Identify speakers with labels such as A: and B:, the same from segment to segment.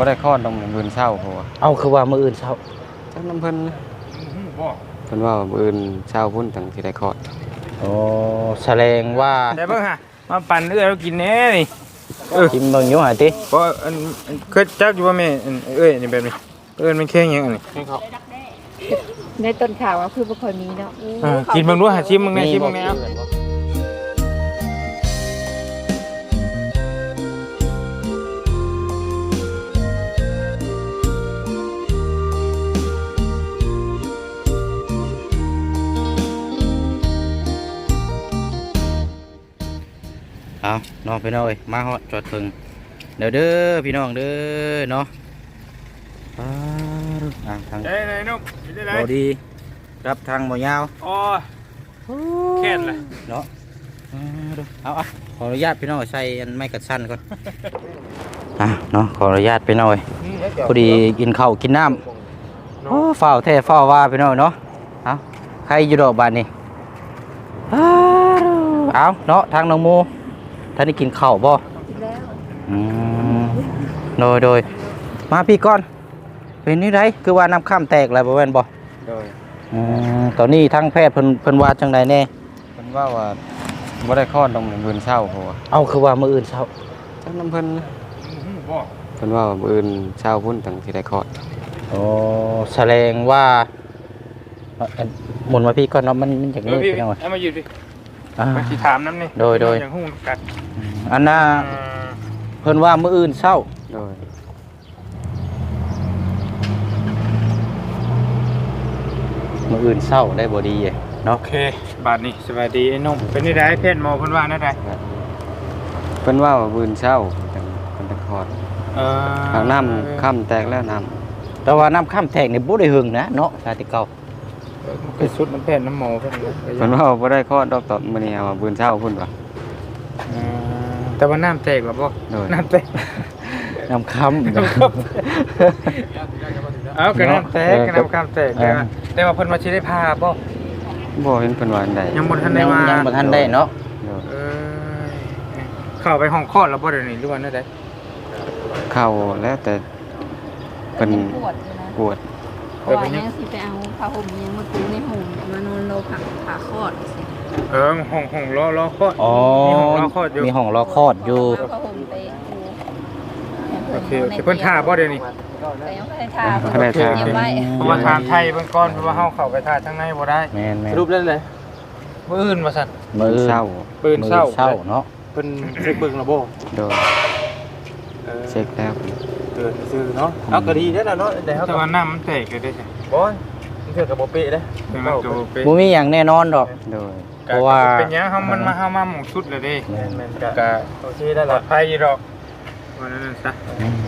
A: บ่ได้คลอดต้องมื้อเช้าเพราะว่า
B: เอาคือว่ามื้ออื่นเช้า
A: จักน้ำเพิ่นบ่เพิ่นว่ามื้ออื่นเช้าพุ่นตั้งสิได้คลอด
B: โอ้แสดงว่า
C: ได้เบิ่งฮะมาปั่นเอื้อเรากินแน่นี่
B: กินเบิ่งอยู่หาติ
C: เพราะอันเคยจักอยู่ว่าแม่เอ้ยนี่แบบนี้มันแข็งหยังอันนี้
D: ในต้นข่าวว่าคือบ่ค่อยมีเนาะ
C: กินเบิ่งดูหาชิมเบิ่งแน่ชิมเบิ่งแน่
B: เอาน้องพี่น้องเอ้ยมาฮอดจอดถึงเด้อพี่น้องเด้อเนาะทาง
C: ได้นุ่มได้
B: บ่ดีรับทางบ่ยาว
C: อ๋อแค่นเลย
B: เนาะเอาขออนุญาตพี่น้องใส่อันไม้กัดสั้นก่อนเนาะขออนุญาตพี่น้องพอดีกินข้าวกินน้ำโอ้ฝ้าวแท้ฝ้าวว่าพี่น้องเนาะเอาใครอยู่ดอกบานนี่เอาเนาะทางน้องโมท่านได้กินข้าวบ่โดยมาพี่ก่อนเป็นนี่ไรคือว่าน้ำข้ามแตกอะไรบ่แม่นบ่
A: โดย
B: ตอนนี้ทางแพทย์เพิ่นว่าจังไดแน่
A: เพิ่นว่าบ่ได้คลอดต้องมื้อเช้าเพราะว่า
B: เอาคือว่ามื้ออื่นเช้า
A: จักน้ำเพิ่นบ่เพิ่นว่ามื้ออื่นเช้าพุ่นตั้งสิได้คลอด
B: โอ้แสดงว่าหมุนมาพี่ก่อนเนาะมันอยากมืดไปหน่อย
C: เอามายืนดิมาสิถามน้ำนี่
B: โดย
C: อย่างฮู้กัด
B: อันน่ะเพิ่นว่ามื้ออื่นเช้า
A: โดย
B: มื้ออื่นเช้าได้บ่ดีเนาะ
C: โอเคบาดนี้สวัสดีไอ้นุ่มเป็นนี่ได้เพศหมอเพิ่นว่าได้
A: เพิ่นว่ามื้อเช้าตั้งเพิ่นได้คลอดน้ำค่ำแตกแล้วน้ำ
B: แต่ว่าน้ำข้ามแตกนี่บ่ได้หึงนะเนาะชาติเก่า
C: เป็นชุดน้ำแพทย์น้ำหมอเพิ่น
A: ว่าบ่ได้คลอดดอกตอนมื้อนี้ว่ามื้อเช้าพุ่นว่า
C: แต่ว่าน้ำแตกหรอบ่น้ำแตก
B: น้ำค้ำ
C: เอากระน้ำแตกกระน้ำค้ำแตกแต่ว่าเพิ่นมาสิได้พา
A: บ่เห็นเพิ่นว่าอันใด
C: ยังบ่ทันได้มา
B: ยังบ่ทันได้เนาะ
C: เข้าไปห้องคลอดแล้วบ่เดี๋ยวนี้หรือว่าได้
A: เข้าแล้วแต่เพิ่นปวด
D: ว่ายังสิไปเอาผ้าห่มยังมาปูในห่มมานอนรอผ่าคลอดสิ
C: ห้องรอคลอด
B: มีห้องรอคลอดอยู่มีห้องรอคลอดอยู่
D: ผ้าห่มไปปู
C: โอเคเพิ่นท่าบ่เดี๋ยวนี้
D: แต่ยังไม่ได้ท่าเพราะ
C: ว่าทางไทยเบิ่งก่อนเพราะว่าเฮาเข้าไปท่าทางในบ่ได้
B: แม่น
C: รูปเล่นเลยมื้ออื่นว่าซั่น
B: มื้อเช้าเนาะ
C: เพิ่นเช็คเบิ่งแล้วบ่
A: โดยเช็คแล้ว
C: ซื่อเนาะเอาก็ดีแล้วเนาะแต่ว่าน้ำมันแตกเลยได้บ่มันเถื่อกับบ่เป๊ะเด้
B: บ่มีหยังแน่นอนดอก
A: โดย
B: เพราะว่า
C: เป็นหยังเฮามันมาหมู่ชุดเลยเด้แม่นก็โอเคได้ปลอดภัยอยู่ดอกว่านั้นซะ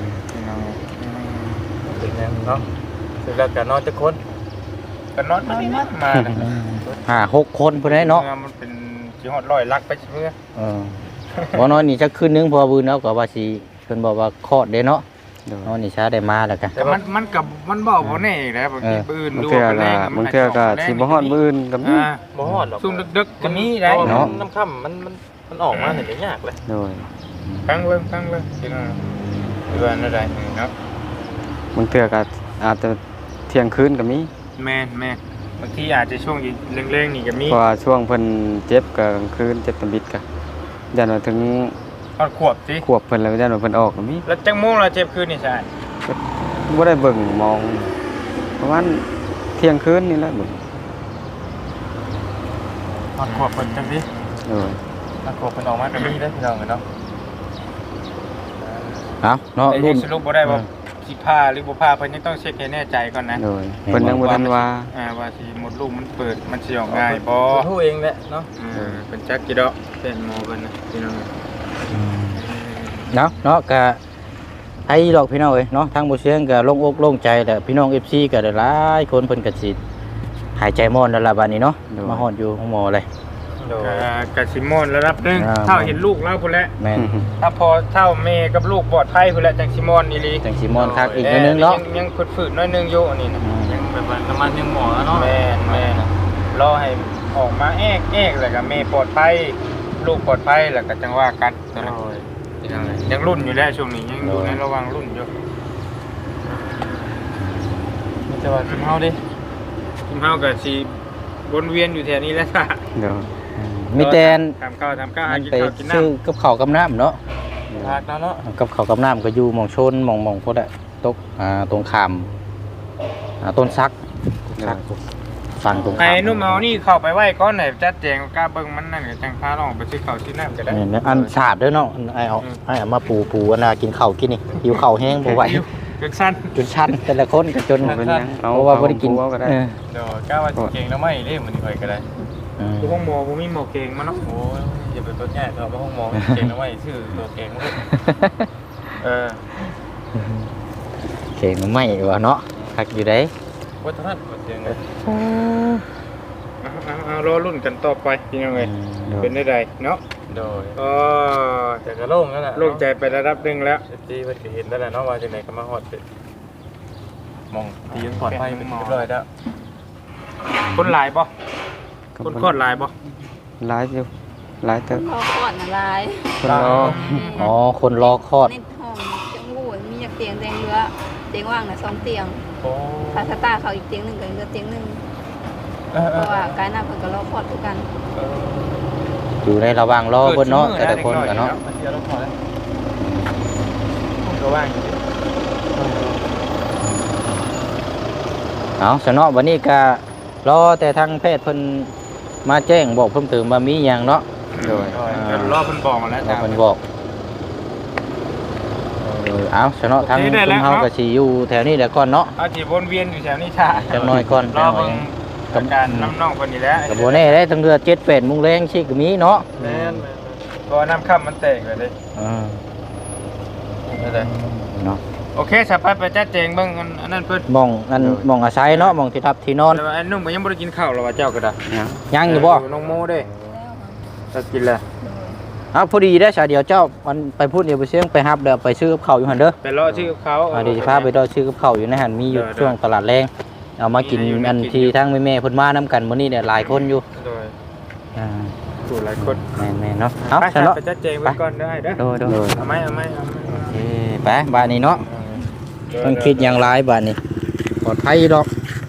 C: เป็นหยังเนาะเสร็จแล้วก็นอนจักคนก็นอนมา
B: 5-6 คนพุ่นได้เนาะ
C: มันเป็นสิฮอด100ลักไปเมื่อ
B: บ่น้อยนี่จักคืนนึงพอบื้นแล้วก็ว่าสิเพิ่นบอกว่าคลอดเด้เนาะน้อยนี่ช้าได้มาแล้วกัน
C: แต่มันบอกบ่แน่อีกแล้วบางทีปืนดูเป็นแรง
A: บางเทื่อก็สิบ่ฮอดมื้ออื่นก็มี
C: บ่ฮอดหรอกซุ่มดึกๆก็มีได้
B: เนาะ
C: น้ำค่ำมันออกมาเห็นได้ยากเลย
A: โดย
C: ฟังเลยจริงๆเดือนอะไรเนาะ
A: บางเทื่อก็อาจจะเที่ยงคืนก็มี
C: แม่บางทีอาจจะช่วงเร่งๆนี่ก็มี
A: เพราะว่าช่วงเพิ่นเจ็บก็กลางคืนเจ็บตำบิดก็ยันว่าถึง
C: ขวบสิ
A: ขวบเพิ่นแล้วยันว่าเพิ่นออกก็มี
C: แล้วจังโมงเราเจ็บคืนนี่ใช่
A: บ่ได้เบิ่งมองประมาณเที่ยงคืนนี่แหละบ่
C: ขวบเพิ่นจังสิขวบเพิ่นออกมาก็มีเด้อพี่น้องเนาะ
B: เนาะ
C: รุ่นสรุปบ่ได้ว่าสิพาหรือบ่พาเพิ่นยังต้องเช็คให้แน่ใจก่อนนะ
A: เพิ่นยังบ่ทันว่า
C: สิหมดลูกมันเปิดมันสิออกง่ายบ่ฮู้เองแหละเนาะเพิ่นจักกี่ดอกเป็นหมอเพิ่นนะพี่น้อง
B: เนาะก็ไอ้ดอกพี่น้องเอ้ยเนาะทางบ่เสียงก็โล่งอกโล่งใจแต่พี่น้อง FC ก็ได้หลายคนเพิ่นก็สิหายใจม่อนแล้วล่ะบัดนี้เนาะมาฮอดอยู่ห้องหมอเลย
C: กะสิม่อนระดับนึงเท่าเห็นลูกแล้วพุ่นแหละ
B: แม่น
C: ถ้าพอเท่าแม่กับลูกปลอดภัยพุ่นแหละจังสิม่อนอีหลี
B: จังสิม่อนคักอีกนึงเนาะ
C: ยังฝืดๆน้อยนึงอยู่อันนี้นะยังแบบว่าน้ำมันยังหมอเนาะแม่รอให้ออกมาแอกแล้วก็แม่ปลอดภัยลูกปลอดภัยแล้วก็จังว่ากันยังรุ่นอยู่แล้วช่วงนี้ยังอยู่ในระหว่างรุ่นอยู่มีแต่ว่าทีมเฮาดิทีมเฮาก็สิวนเวียนอยู่แถวนี้แหละจ้ะ
A: เดี๋ยว
B: มีแต่
C: ทำข้าวหากิน
B: ไป
C: ข้าวกินน้
B: ซื้อกับข้าวกับน้ำเนาะ
C: ำพักแล้วเนาะ
B: กับข้าวกับน้ำก็อยู่หม่องชนหม่องพวกนั้นตกตรงข้ามต้นซักฝั่งตรง
C: ไอ้
B: ข้าม
C: นุ่มเอานี่เข้าไปไว้ก่อนไหนจัดแจงกล้าเบิ่งมันนั่นก็จังพาลองไปซื้อข้าวซื้อน้ำก็ได้
B: นี่อันสาดด้วยเนาะไอ้เอามาปูอันน่ะกินข้าวกินนี่หิวข้าวแห้งบ่ไหว
C: เป็นสั้น
B: จนชันแต่ละคนก็จน
A: เป็นยังเอา
B: เพราะว่าบ่ได้กิน
A: เอาก็ได้
C: เดี๋ยวกล้าว่าสิเก่งแล้วไม่เด้มื้อนี้ค่อยก็ได้อยู่ห้องหมอบ่มีหมอเก่งมาเนาะโอ้ยอย่าไปต้นแย่เอามาห้องหมอเก่งแล้วไม่ชื่อตัวเก่งมาเออ
B: เก่งไม่ว่าเนาะคักอยู่ได้
C: วัฒนธรรมเก่งเลยเอารอรุ่นกันต่อไปพี่น้องเอ้ยเป็นได้ใดเนาะโดยแต่ก็โล่งแล้วล่ะโล่งใจไประดับนึงแล้วที่เพิ่นก็เห็นแล้วแหละเนาะว่าจังได๋ก็มาฮอดมองที่ยังปลอดภัยเป็นเรียบร้อยแล้วคนหลายบ่คนคอดหลายบ่
A: หลายอยู่หลายเถอะ
D: เขาก่อนอะไร
A: คนรอ
B: อ๋อคนรอคลอด
D: ในห้องจังหูมีอยากเตียงแดงเรือเตียงว่างน่ะ2เตียง
C: โอ้
D: ถ้าสตาร์เขาอีกเตียงหนึงก็เหลือเตียงหนึงเพราะว่าการหน้าเพิ่นก็รอคลอดคือกัน
B: อยู่ในระหว่างรอเพิ่นเนาะแต่ละคนกันเนาะ
C: ก็ว่างอยู่
B: เอาสนอวันนี้ก็รอแต่ทางแพทย์เพิ่นมาแจ้งบอกเพิ่มเติมว่ามีหยังเนาะ
A: โดย
C: รอเพิ่นบอกมาแล้ว
B: ว่าเพิ่นบอกเอาสนอทางคุณเฮาก็สิอยู่แถวนี้แหละก่อนเนาะ
C: เอาสิวนเวียนอยู่แถวนี้ท่า
B: จักหน่อยก่อน
C: รอเบิ่งอาการน้ำน่องเพิ่นนี่แหละ
B: ก็บ่แน่ได้ทั้งเดือ7-8 โมงแรงสิก็มีเนาะ
C: แม่นก็น้ำค่ำมันแตกเลยเด้ นั่นแหละ
B: เนาะ
C: โอเคสไปไปจัดแจงเบิ่งอันนั้นเพิ่น
B: มองอาศัยเนาะมองที่ทับที่นอน
C: แต่ว่าไอ้นุ่มก็ยังบ่ได้กินข้าวหรอกว่าเจ้าก็ได้
A: ยัง
B: ยังอยู่บ่
C: น้องโมเด้จะกินแล้ว
B: เอาพอดีได้ชาเดียวเจ้ามันไปพูดเดี๋ยวไปเสียงไปฮับเดี๋ยวไปซื้อกับข้าวอยู่หั่นเด้อ
C: ไปรอชื่อเขา
B: เดี๋ยวจะพาไปรอซื้อกับข้าวอยู่ในหั่นมีอยู่ช่วงตลาดแรงเอามากินอันที่ทั้งแม่ๆเพิ่นมานํกันมื้อนี้เนี่ยหลายคนอยู่
C: โดย
B: อ่า
C: สู่หลายคน
B: แม่นๆเนาะเอา
C: ไป
B: ซะเนาะ
C: ไปจัดแจงเบิ่งก่อนได้เด้อ
B: โดย
C: เอาไหม
B: โอเคไปบ้านนี้เนาะต้องคิดอย่างไรบ้านนี้ปลอดภัยดอก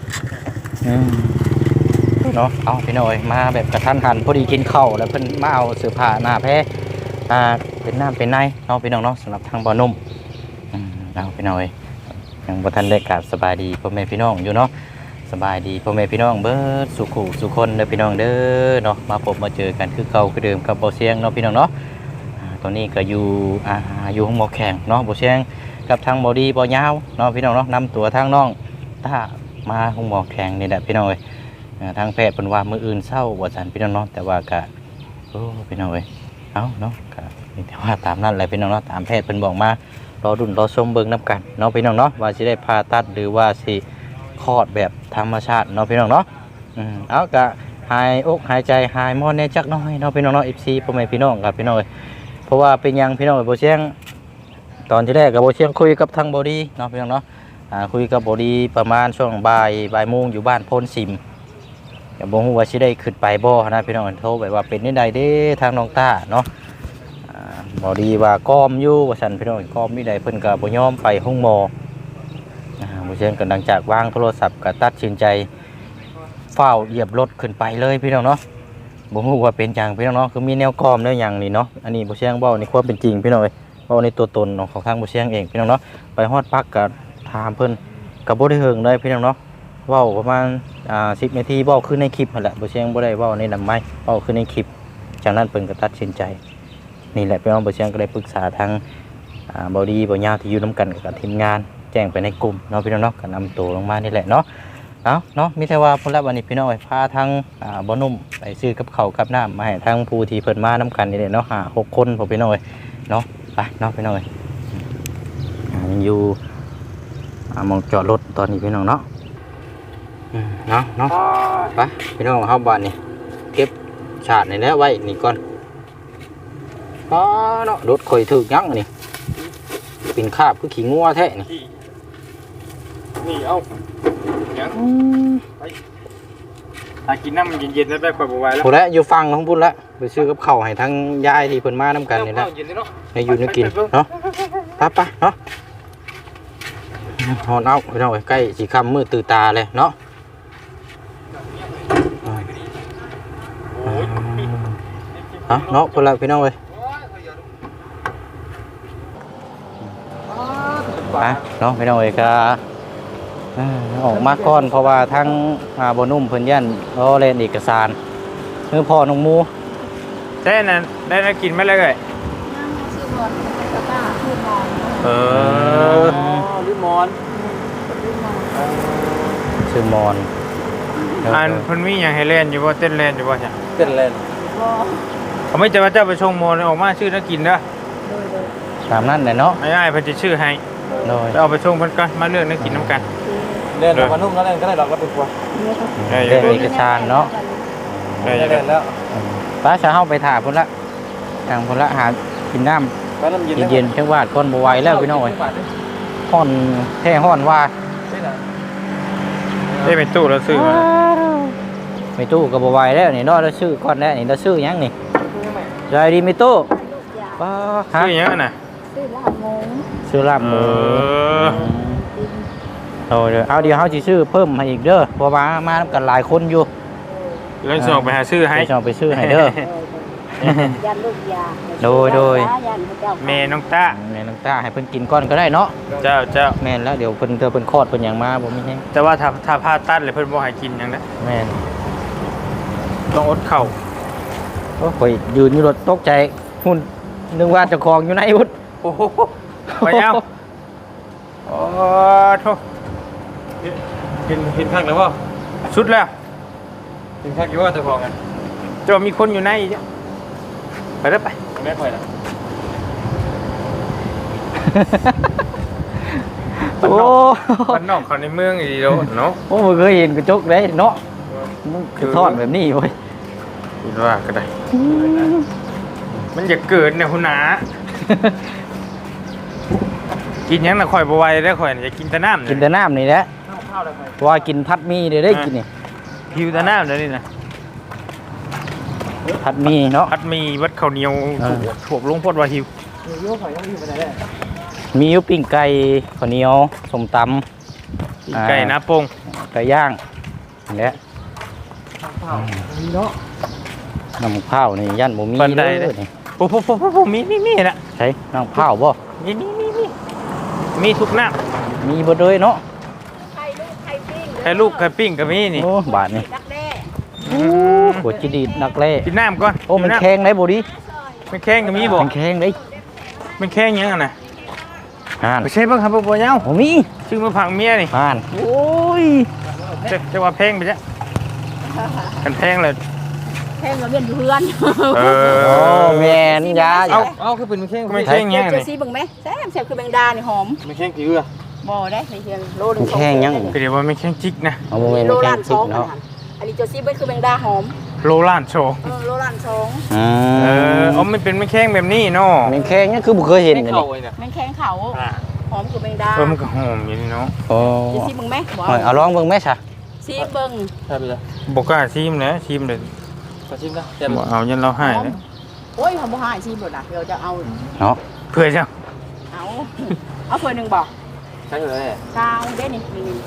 B: เนาะเอาพี่น้อยมาแบบกระทันหันพอดีกินข้าวแล้วเพิ่นมาเอาเสื้อผ้าหน้าแพ้เป็นน้ำเป็นในเนาะพี่น้องเนาะสำหรับทางบ่อนุ่มเอาพี่น้อยยังบ่ทันได้กราบสบายดีพ่อแม่พี่น้องอยู่เนาะสบายดีพ่อแม่พี่น้องเบิดสุขุสุคนเด้อพี่น้องเด้อเนาะมาพบมาเจอกันคือเก่าคือเดิมกับบ่เสียงเนาะพี่น้องเนาะตอนนี้ก็อยู่ห้องหมอแข่งเนาะบ่เสียงกับทางบ่ดีบ่ยาวเนาะพี่น้องเนาะนำตัวทางน้องถ้ามาห้องหมอแข่งนี่แหละพี่น้องเอ้ยทางแพทย์เพิ่นว่ามื้ออื่นเช้าว่าซั่นพี่น้องเนาะแต่ว่าก็โอ้พี่น้องเอ้ยเอาเนาะก็มีแต่ว่าตามนั้นแหละพี่น้องเนาะตามแพทย์เพิ่นบอกมารอรุ่นรอชมเบิ่งนํกันเนาะพี่น้องเนาะว่าสิได้ผ่าตัดหรือว่าสิคลอดแบบธรรมชาติเนาะพี่น้องเนาะเอาก็หายอกหายใจหายมอนแน่จักหน่อยเนาะพี่น้องเนาะ FC พ่อแม่พี่น้องครับพี่น้องเอ้ยเพราะว่าเป็นหยังพี่น้องเอ้ยบ่เสียงตอนที่แรกก็บ่เสียงคุยกับทางบ่ดีเนาะพี่น้องเนาะคุยกับบ่ดีประมาณช่วงบ่ายโมงอยู่บ้านโพนสิมก็บ่ฮู้ว่าสิได้ขึ้นไปบ่นะพี่น้องโทรไปว่าเป็นจังไดเด้ทางน้องต้าเนาะบ่ดีว่าก้อมอยู่ว่าซั่นพี่น้องก้อมมีใดเพิ่นก็บ่ยอมไปห้องหมอบ่เชิญกันดังจากวางโทรศัพท์ก็ตัดสินใจฟ้าวเหยียบรถขึ้นไปเลยพี่น้องเนาะบ่ฮู้ว่าเป็นจังพี่น้องเนาะคือมีแนวก้อมแนวหยังนี่เนาะอันนี้บ่เชิงเว้าในความเป็นจริงพี่น้องเอ้ยเว้าในตัวตนของทางบ่เชิงเองพี่น้องเนาะไปฮอดปักก็ถามเพิ่นก็บ่ได้เฮิงเลยพี่น้องเนาะเว้าประมาณ10 นาทีเว้าคือในคลิปนั่นแหละบ่เชิงบ่ได้เว้าในนำไม้เว้าคือในคลิปจากนั้นเพิ่นก็ตัดสินใจนี่แหละพี่น้องบ่เชิงก็ได้ปรึกษาทางบ่ดีบ่ยาวที่อยู่นํกันกับทีมงานแจ้งไปในกลุ่มเนาะพี่น้องเนาะก็นำตัวลงมานี่แหละเนาะเอาเนาะมีแต่ว่าพุ่นละวันนี้พี่น้องไปพาทางบ่นุ่มไปซื้อกับข้าวกับน้ำมาให้ทางผู้ที่เพิ่นมานํกันนี่แหละเนาะ5-6 คนพอพี่น้องเนาะไปเนาะพี่น้องยังอยู่มองจอดรถตอนนี้พี่น้องเนาะเนาะไปพี่น้องเฮาบ้านนี่เก็บชาตินี่แล้วไว้นี่ก่อนเนาะรถข่อยถึกยังนี่เป็นคราบคือขี้งัวแท้นี่
C: นี่เอายังไปหากินน้ำมันเย็นๆได้แบบค่อยบ่ไหวแล้ว
B: พุ่นละอยู่ฟังของพุ่นละไปซื้อกับข้าวให้ทั้งยายที่เพิ่นมานํกันนี่แหละ
C: เย็นเนาะ
B: ให้อยู่นึกกินเนาะไปเนาะฮอนเอาพี่น้องใกล้สิค่ำมืดตื่นตาเลยเนาะเนาะคนละพี่น้องเว้ยไปเนาะพี่น้องเว้ยก็ออกมาก่อนเพราะว่าทั้งบ่นุ่มเพิ่นยันเล่นเอกสารคือพ่อน้องหมู
C: ได้นั่นได้น่ากินไหมเลย
D: ชื่อบอลเป็นกระต้าชื่อบอล
C: ลิมอน
B: ชื่อมอน
C: อันเพิ่นมีอย่างให้เล่นอยู่บ่เต้นเล่นอยู่บ่จ้ะ
A: เต้นเล่น
D: บอล
C: เขาไม่จะมาเจ้าไปชงโมนออกมาชื่อน่ากินเด้อ
B: ตามนั้นแหละเนาะ
C: ไอ้เพิ่นจะชื่อให้
B: โดย
C: เอาไปชงเพิ่นก่อนมาเลือกน่ากินน้ำกัน
A: เล่นมานุ่มก็เล่นก็ได้ดอกละเป็นตัว
B: เล่นเอกสารเนาะ
C: ได้
A: เล่นแล้ว
B: ป้าจะเข้าไปถ่ายพุ่นละทางพุ่นละหากินน้
A: ไปน้ำเย็น
B: ำเย็นๆเช่นว่าก้นบไหวแล้วพี่น้องเอ้ยห้อนแท้ห้อนว่า
C: ได้เป็นตู้แล้วซื้อมา
B: ไม่ตู้กับบไหวแล้วนี่เนาะแล้วชื่อก้อนแล้วนี่เราชื่อหยังนี่ใจดีไม่ตู้ป้าฮะ
C: ซื้ออย่างนั้นน่ะ
D: ชื่อลาบงง
B: ชื่อลาบหมู
C: เออ
B: โดยเอาเดี๋ยวเขาจะชื่อเพิ่มให้อีกเด้อเพราะว่ามานํกันหลายคนอยู่
C: แล้วส่งไปหาซื้อให้
B: จะไปชื่อให้เด้อ
D: ยันลูกยา
B: โดย
D: ยันพระเจ้า
C: เมน้องต้า
B: แม่น้ำตาให้เพิ่นกินก้อนก็ได้เนาะ
C: เจ้า
B: แม่นแล้วเดี๋ยวเพิ่นคลอดเพิ่นหยังมาบ่มีแฮง
C: แต่ว่าถ้าพาตัดเลยเพิ่นบ่ให้กินหยังนะ
B: แม่น
C: ต้องอดเข่า
B: โอ้ข่อยยืนอยู่รถตกใจหุ่นนึกว่าเจ้าของอยู่ไหนพุทธ
C: โอ้โหไปเอาโอ้โธ่
A: เห็นข้างแล้วว่า
C: สุดแล้ว
A: เห็นข้างกี่ว่าจะพอกัน
C: จะมีคนอยู่ในอีกจ้ะไปเด้อไป
A: ไม่ค่อยนะ
B: โอ้
C: บ้านนอกเขาในเมืองอีกแล้วเนาะ
B: โอ้บ่เคยเห็นกระจกเลยเนาะมันคือทอดแบบนี้เว้ย
C: คิดว่าก็ได้ มันอย่าเกิดเนี่ยคุณนากินหยังน่ะข่อยบ่ไหวได้อข่อยน่ะอยากกินแต่น้ำ
B: กินแต่น้ำนี่แหละว่ากินพัดหมีเดี๋ยวได้กินนี่
C: หิวแต่น้ำเดี๋ยวนี้นะ
B: พัดหมีเนาะ
C: พัดมีวัดข้าวเหนียวถูกลงพดว่าหิว
B: มีอยู่ปิ้งไก่ข้าวเหนียวส้มตำ
C: กินไก่น้าโปง
B: ไก่ย่างนี่แหละน้ำข้าวนี่ยันบ่มีเลยนี่
C: โอ้โหมีนะ
B: ใช่น้ำข้าวบ่
C: มีทุกน้
B: มีบ่เลยเนาะ
D: ไข่ลูกไข่ปิ้ง
C: ำไข่ลูกไข่ปิ้งก็มีนี่
B: โอ้บาทนี่
D: ดักแด้
B: หัวจิดีดนักเล่
C: กินน้ำก่อน
B: โอ้มันแข็งได้บ่ดิ
C: มันแข้งก็มีบ่
B: มันแข็งได้
C: มันแข้งยังอ่ะนะ
B: อ่าน
C: ไม่ใช่บ้างครับบ่เย้า
B: โอ้มี
C: ชื่อมาผังเมียนี่
B: อ่านโอ้ย
C: จะว่าแพงไปจ้ะกันแพงเลย
D: แค่เราเรียนอยู่เพื่อน
C: เอ
B: โอ้แม่นยา
A: เอาคือเป็นแข้ง
C: ไม่แข้งยัง
D: เจ
C: นี่
D: ซีบึงไหมแซ่บคือแบงดานี่หอม
A: ไม่แข้งผิวอะ
D: บ่ได้ใส่เทียนโลนึ
B: มันแข็งยัง
C: ก็เดี๋ยวว่าไม่แข้งจิกนะ
B: เอาบ่แม่น
D: โล
B: มันแข็
D: ล้าง น
B: จิ
D: ส
B: ก
D: อง
B: เนาะ
D: อันนี้เจซีเบิ้คือแบงดาหอม
C: โลล้านโชว์
D: โลล้านสอง
B: อื
C: อ๋อมันเป็นไม่แข้งแบบนี้เนาะ
B: มันแข็งยังคือบ่เคยเห็นเลยนี่
D: แมงแข้งเขาหอมคือแบงดา
C: มันก็หอมอยู่นี่เนาะ
B: โอ้
D: เจซีบึงไหม
B: เอาลองเบิ่งแม่ซะ
D: ซีเบิ้ง
A: ใช่ไปเลย
C: บอกกล้าชิมนะชิมเลย
A: ขอชิมนะ
C: บ่เอายันเราให้นะ
D: โอ้ยทำบ่หายซีบ่ล่ะเดี๋ยวจะเอา
B: เนาะ
C: เพื่อจะ
D: เอาเพื่อหนึ่งบอก
A: ใช่เลย
D: กาวเด้นี่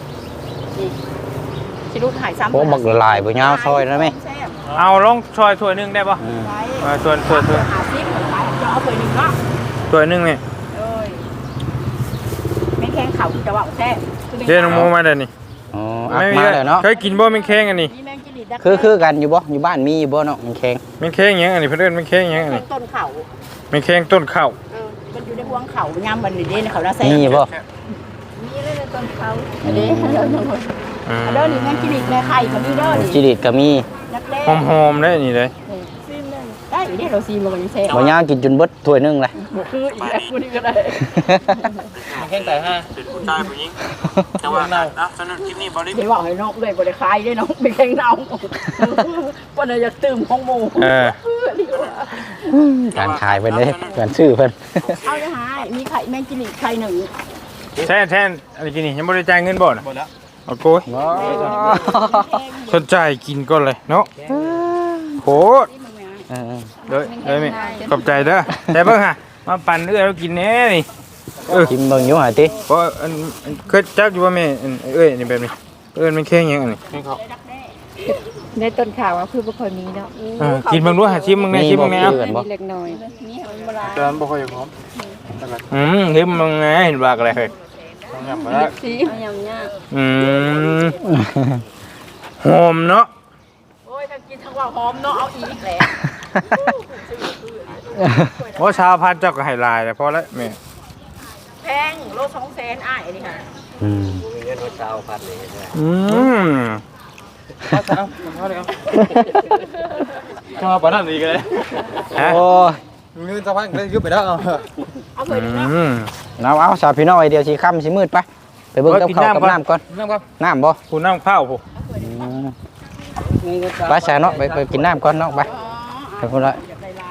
D: ชิลูกหายซ้ำ
B: โอ้บักละลายบ่ยาวซอยนะแม่
C: เอาลองชอยถ้วยหนึงได้ป่ะ
B: อืม
C: ส่วน
D: หาซิปขายจะเอาเพื่อหนึ่งเนาะ
C: ถ้วยหนึงเนี่ย
D: เอ้ยแมงแข้งเขาจะว่าแซ่บ
C: เดี๋ยวน้องโมมาเดี๋ยวนี้
B: อ๋ออักมาแล้วเนาะ
C: เคยกินบ่แมงแข้งอันนี้
D: มีแมงจิริดัก
B: คือกันอยู่บ่อยู่บ้านมีอยู่บ่เนาะมันแข็ง
C: แมงแข้งหยังอันนี้เพิ่นเอิ้นแมงแข้งหยังอันนี้
D: ต้นเขา
C: แมงแข้งต้นข้าว
D: มันอยู่ในห่วงเขาย่ำมันนี่เด้เขาได้แซ่บ
B: มีบ่
D: มีเลยต้นเขาเด้เด้อเด้อนี่แมงจิริแม่ไข่ก็มีเด้อ
B: จิริตก็มี
D: นักเล่
C: หอมๆได้นี่เลย
D: ซิมเลยได้เด้เราซีมันก็ยังแซ่บ
B: บ่ยาวกินจนเบิดถ้วยหนึงเลย
D: บ่คืออีกแล้วคนนี้ก็ได้
A: แข้งแต่ห้า
C: เป็นผู้ชายผู้หญิงแต่ว่านะสนุกคลิปนี้บ่ได้
D: เดี๋ยวบอกให้น้องเลยบ่ได้คายได้น้องเป็นแข้งเน่าวันนี้อยากตื่มของหมู
B: การขายเพิ่นเด้การซื้อเพิ่น
D: เอาเลยหายมีไข่แมงจิริไข่หนึ่ง
C: แทนอะไรกินนี่ยังบ่ได้จ่ายเงินบ่น่ะ
A: หมดแล้ว
C: เอาโกยสนใจกินก่อนเลยเนาะโหด
B: เออ
C: เลยแม่ขอบใจเด้อแต่เบิ่งฮะมาปั่นเอื้อเรากินแน่นี่
B: ชิมเบิ่งอยู่หาติ
C: เพราะเคยจักอยู่ว่าแม่นี่แบบนี้มันแค่ยังอันนี้
D: ในต้นข่าวว่าคือบ่ค่อยมีเนาะ
C: กินเบิ่งดูหาชิมเบิ่งแน่ชิมเบิ่งแน่
B: มีบ่
D: เล็กน้อยมีให้มันบ่หลาย
C: จานบ่ค่อยพร้อมชิมเบิ่งแน่เห็นว่าอะไรเฮ้ย
D: สิเอายำยาก
C: หอมเนาะ
E: โอ้ยถ้ากินทั้งว่าหอมเนาะเอาอีกแหละ
C: โอ้ชาวพันเจ้าก็ให้ลายแต่พอแล้วแม่
E: แพงโล200,000อ้ายนี่ค่ะ
B: อืม
C: ชาวปานนั้นอีกเลยฮะ
B: โอ้ย
C: เงินชาวพันได้ยุบไปแล้ว
E: เอาไปดิเนาะ
B: เอาสาวพี่น้อยเดี๋ยวสิค่ำสิมืดไปไปเบิ่งกับข้าวกับน้ำก่อน
C: น้ำครับ
B: น้ำบ่
C: คุณน้ำข้าวผม
B: ไปซะเนาะไปกินน้ำก่อนเนาะไปคนละ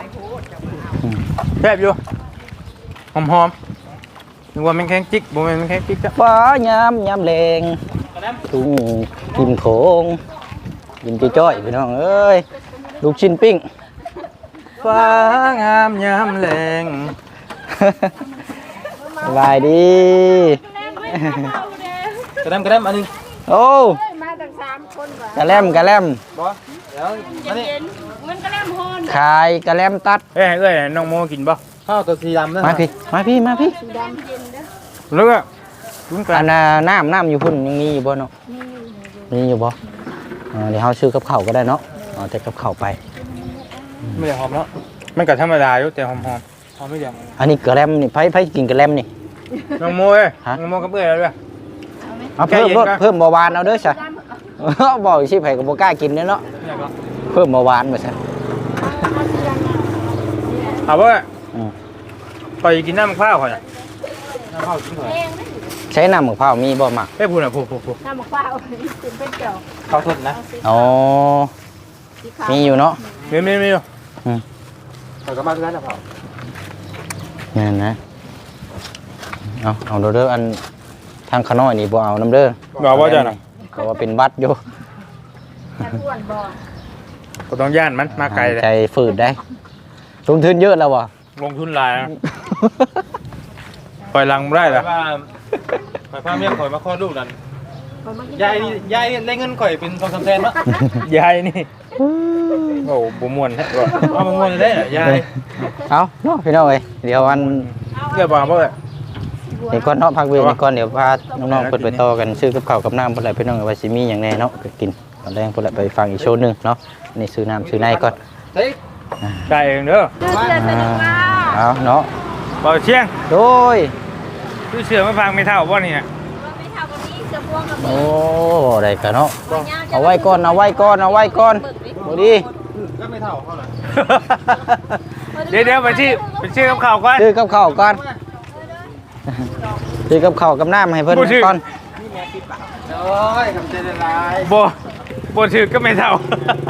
C: แซ่บอยู่หอมนึกว่ามันแข็งจิกบ่แม่นมันแข็งจิกจ้ะ
B: ฟ้ายามแลงทุ่งกินโขงกินจ้อยๆพี่น้องเอ้ยลูกชิ้นปิ้ง
C: ฟ้างามยามแลง
B: สบายดี
C: กระเดมอันนี้
B: โอ้
E: มาตั้ง3คนว่ะ
B: กะแลม
C: บ่เดี๋ยวอันนี้
E: เย็นมันก็แล่มฮอน
B: ขายกะแลมตัด
C: เอ้ยน้องโมกินบ่ข้าวตัวสีดำนั่น
B: มาพี่
C: แล้วก็ลุ้นกั
B: อั
C: น
B: นน้ำอยู่พุ่นยังมีอยู่บ่เนาะมีอยู่บ่เดี๋ยวเฮาซื้อกับข้าวก็ได้เนาะเอาแต่กับข้าวไป
C: ไม่ได้หอมเนาะมันก็ธรรมดาอยู่แต่หอมหอมไม่เดียว
B: อันนี้กะแลมนี่ไผกินกะแลมนี่
C: น้องโมเอ้ยน้องโมกับเอ้ยแล้วด้วย
B: เอาเพิ่มเบาหวานเอาเด้อจ้ะ บอกสิไผก็บ่กล้ากินเด้อเนาะเพิ่มเบาหวานมาซะ
C: เอาบ่ไปกินน้ำข้าวก่อนน่ะน้ำข้าวกินก่อน
B: ใช้น้ำมะพร้าวมีบ่มัก
C: เอ้ยพูดน่ะพูด
E: น้ำมะพร้าวกินเป็นเจ้า
C: ข้าวสดนะ
B: อ๋อมีอยู่เนาะ
C: มีอยู่ข้าวก็มาคือกันนะพ่อ
B: นั่นนะเอาเด้ออันทางขน้อยนี่บ่เอาน้ำเด้อ
C: บอกว่าจะน่ะ
B: ก็ว่าเป็นบัตรอยู่
E: จะอ้วนบ่
C: ก็ต้องย่านมันมาไกลเลย
B: ใจฝืดได้ลงทุนเยอะแล้ววะ
C: ลงทุนหลายนะปล่อยลังไม่ได้เหรอปล่อยพ่อเมียข่อยมาคลอดลูกนั่นยายนี่ได้เงินข่อยเป็น2-3แสนมั้งยายนี่โอ้บ่ม่วนแท้บ่เอาบ่ม่วนได้เหรอยาย
B: เอาเนาะพี่น้องเอ้ยเดี๋ยวอัน
C: เรียบบ่บ่
B: เดี๋ยวก่อนเนาะพักเวรก่อนเดี๋ยวพาน้องๆเปิดไปต่อกันซื้อกับข้าวกับน้ำเพิ่นแหละพี่น้องว่าสิมีหยังแน่เนาะก็กินตอนแรกเพิ่นแหละไปฟังอีกโชว์หนึงเนาะนี่ซื้อน้ำซื้อในก่อน
C: ได้เองเด้อ
B: เอาเนาะ
C: บ่เชียง
B: โดย
C: คือเสือมาฟังไม่เท่าบ่นี่น่ะ
B: โอ้ได้กันเนาะเอาไว้ก่อนบ่ดี
C: เดี๋ยวไปชื่อกับข่าวก่อน
B: ซื้อกับข้าวก่อนซื้อกับข้าวกับน้ำให้เพิ่นก่อน
C: บ่ชื่อก็ไม่เท่า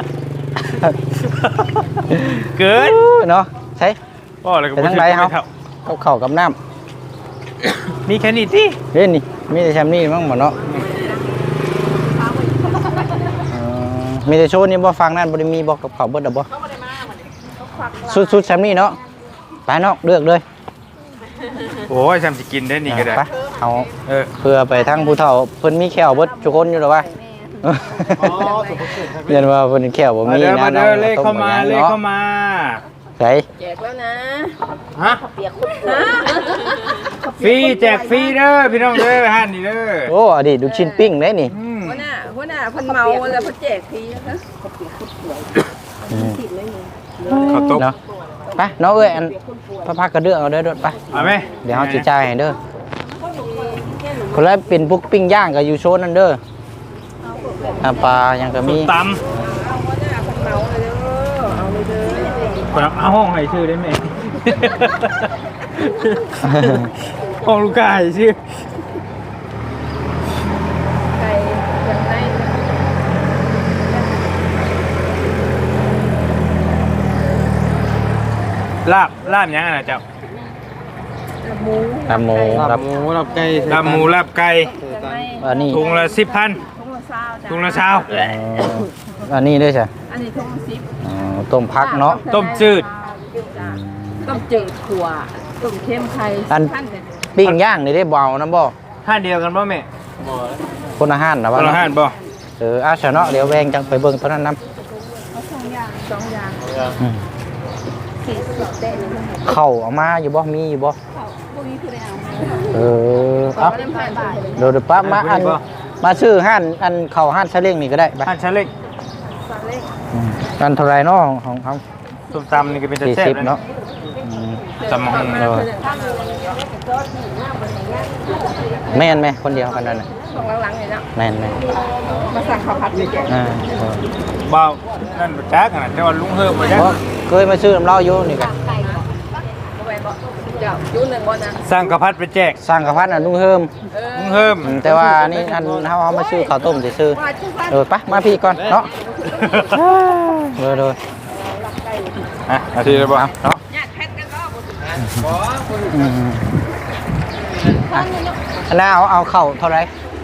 C: เกิน
B: เนาะใช่
C: บ่อะไรก็บ่ชื่อก็ไม่เท่า
B: กับข้าวกับน้
C: มีแค่นี้ติ
B: ำเฮ้ยนี่มีแต่แชมป์นี่มั้งหมดเนาะมีแต่โชว์นี่บ่ฟังนั่นบ่ได้มีบ่กับข้าวเบิดดอกบ่สุดแชมป์นี่เนาะไปเนาะเลือกเลย
C: โอ้ยจำสิกินได้นี่ก็ได้
B: ไปเอา
C: เออ
B: เพื่อไปทั้งผู้เฒ่าเพิ่นมีแขวเบิดทุกคนอยู่หรอวะเรียนว่าเพิ่นแขวบ่
C: มา
B: มี
C: เด้อ
B: นะ
C: มาเด้อเลขเข้ามาเลขเข้ามา
B: ไส
E: แจกแล้วนะ
C: ฮะ
E: เปียกคุณนะ
C: ฟรีแจกฟรีเด้อพี่น้องเด้อฮั่นนี่เด้อ
B: โอ้อดีตลูกชิ้นปิ้งได้นี่
E: หัวหน้าเพิ่นเมาแล้วเพิ่นแจกทีนะคะ
C: ข้าวต้ม
B: เนาะไปเนาะเอ้ยอันพระพักกระเดื่องเอาเด้อไป
C: เอาไหม
B: เดี๋ยวเฮาสิจ่ายให้เด้อคนละเป็นพวกปิ้งย่างก็อยู่โซนนั่นเด้อปลายังก็มี
C: ตำคนเอาห้องให้ชื่อได้ไหม ห้องลูกกายชื่อ
E: ไก่ยังไง
C: ลาบยังไงเจ้า
B: ลาบหมูลาบ
C: ลาบไก่ลาบหมูลาบไก่
B: อันนี้
C: ถุงละ10,000 ถุงละ20
B: อันนี้ด้วยใช่
E: อันนี้ทุ่ง10
B: ต้มพักเนาะ
C: ต้มจืด
E: ต้มจืดขั่วต้มเค็มไข่
B: อัน
E: ท่านเนี่ย
B: ปิ้งย่างนี่ได้บ่เอานะบ่
C: ห้านเดียวกันบ่แม่
B: คนอาหารนะ
C: ค
B: ว่าน
C: ละห้านบ่
B: อาชนะเดี๋ยวแวงจังไปเบิ่งตอนนั้นนํ
D: เอา2 อย่าง
B: อืม
D: 40ได้เลย
B: เข้าวเอามาอยู่บ่มีอยู่บ่
D: เขาพวกนี้คือได้เอา
B: เอา
D: ก็ได้ผ่านบ่าย
B: เดี๋ยวป้ามาอันมาซื้อห้านอันเข้าห้านซะเล้งนี่ก็ได้ไป
C: ห้านชั้นเล็ก
B: กันเท่าไหร่เนาะของเขา
C: ส้มตำนี่ก็เป็นแต่แซ่บ
B: 40เนาะ
C: ตำมะฮุ่ง
B: แม่นไหมคนเดียวกันนั่นน่ะ
D: ของหลังๆเลยเนาะ
B: แม่น
D: มาสั่งข้าวผัดเลยแก
B: อ่า
C: เบานั่นบ่จักน่ะแต่ว่าลุงเฮิมบ่จัก
B: เพราะเคยมาซื้อน้ำเหล้าอยู่นี่กัน
D: ไก่บ่ไปบ่เดี๋ยวยุ่นหนึ่งบ่นะ
C: สร้างกระพัดไปแจก
B: สร้างกระพัดน่ะลุงเฮิม
C: ลุงเฮิม
B: แต่ว่านี่อันเฮาเอามาซื้อข้าวต้มซื่อๆเออไปมาพี่ก่อนเนาะเออ
C: อ่ะอาทีเลยบ่
B: เนาะ
D: ญาติแพทย์กันก็บ่
B: อืมอันน่าเอาเข้าเท่าไหร่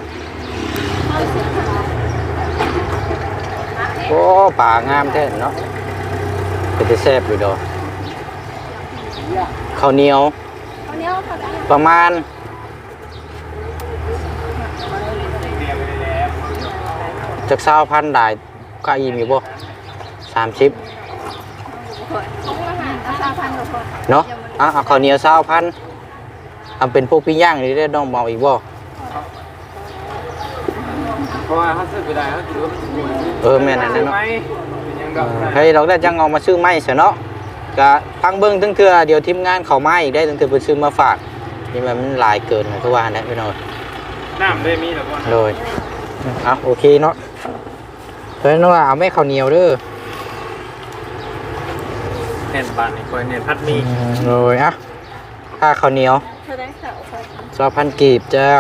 B: โอ้ป่างามแท้เนาะเป็นแต่แซ่บอยู่ดอกข้าวเหนียว
D: เอาเนี้ยเขาได้
B: ประมาณจาก20,000ได้ก็อิ่มอยู่บ่30
D: ของอาหารเอา3,000ก็พอ
B: เนาะเอาข้าวเหนียว20,000ทำเป็นพวกปิ้งย่างนี่ได้น้องเมาอีกบ่
C: เพราะว่าเฮาซื้อไปได้เฮาคิดว่ามัน
B: แม่นอันนั้นเนาะ
C: ยังดอก
B: ให้เราได้จังเอามาซื้อไม้ซะเนาะก็พังเบิ่งทั้งเทื่อเดี๋ยวทีมงานเข้ามาอีกได้ทั้งเทื่อเพิ่นซื้อมาฝากนี่มันหลายเกินนะคือว่าแหละพี่น้อง
C: น้ำได้มีแล้วบ่
B: โดยเอาโอเคเนาะเพิ่นว่าเอาแม่ข้าวเหนียวเด้อ
C: แน่นบ้านนี่คอยแน่นพัดมี
B: โดยค่าข้าวเหนียว
D: เธอได้ข่าวไป
B: 2,000กีบเจ้า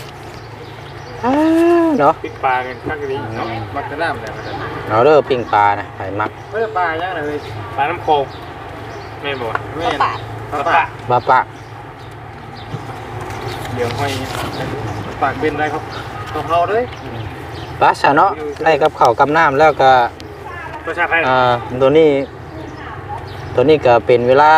B: เนาะ
C: ปิกปลากันคักดีเนาะมักจะน้ำแล้วมัน
B: เอาเด้อปิ้งปลานะไผมัก
C: เฮ้ยปลายังเลยปลาน้ำโขงแม่นบ่แม่นปลา
B: บาปะ
C: เดี๋ยวห้อยปากเป็นได้ครับต้องเฮาเลย
B: ปลาซะเนาะได้กับข้าวกับน้ำแล้วก็
C: ประชาไทย
B: ตัวนี้ก็เป็นเวลา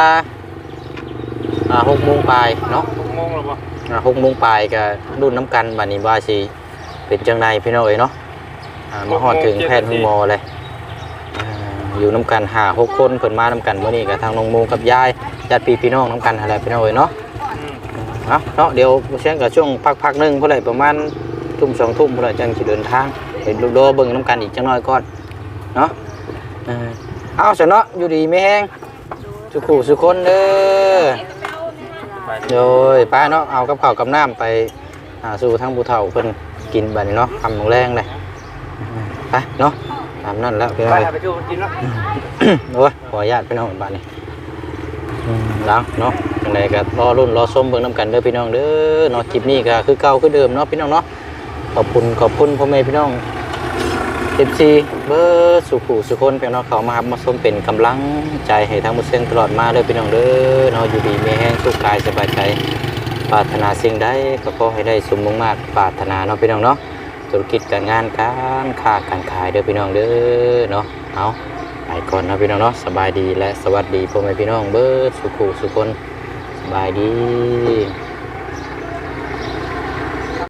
B: 6 โมงปลายเนาะ
C: 6 โมงแล้วบ่
B: 6 โมงปลายก็รุ่นน้ำกันบัดนี้ว่าสิเป็นจังไดพี่น้องเอ้ยเนาะมาฮอดถึงแพทย์หมอเลยอยู่น้ำกัน5-6 คนเพิ่นมาน้ำกันมื้อนี้ก็ทางน้องโมกับยายญาติพี่น้องน้ำกันอะไรพี่น้องเอ้ยเนาะเนาะเดี๋ยวเช้าก็ช่วงพักนึงเพิ่นได้ประมาณทุ่ม2 ทุ่มเพิ่นได้จังสิเดินทางไปลูกโดเบิ่งน้ำกันอีกจังน้อยก่อนเนาะเอาซะเนาะอยู่ดีไม่แห้งสุขุสุคนเด้อโดยป้าเนาะเอากับข้าวกับน้ำไปสู่ทางผู้เฒ่าเพิ่นกินบัดนี้เนาะคำของแรงเลยไปเนาะตามนั่นแล้วพี่น้อง
C: ไปดูกินเนาะ
B: โอ้ยขออนุญาตพี่น้องบัดนี้แล้วเนาะจังไดก็รอรุ่นรอส้มเบิ่งน้ำกันเด้อพี่น้องเด้อเนาะคลิปนี้ก็คือเก่าคือเดิมเนาะพี่น้องเนาะขอบคุณพ่อแม่พี่น้องFC เบอร์สุขุสุคนพี่น้องเขามาครับมาส้มเป็นกำลังใจให้ทั้งหมดเส้นตลอดมาเด้อพี่น้องเด้อเนาะอยู่ดีมีแห้งสุขกายสบายใจปรารถนาสิ่งใดก็ขอให้ได้สมมุ่งมาตรปรารถนาเนาะพี่น้องเนาะธุรกิจการงานการค้าการขายเด้อพี่น้องเด้อเนาะเอาไปก่อนเนาะพี่น้องเนาะสบายดีและสวัสดีพ่อแม่พี่น้องเบอร์สุขุสุคนสบายดี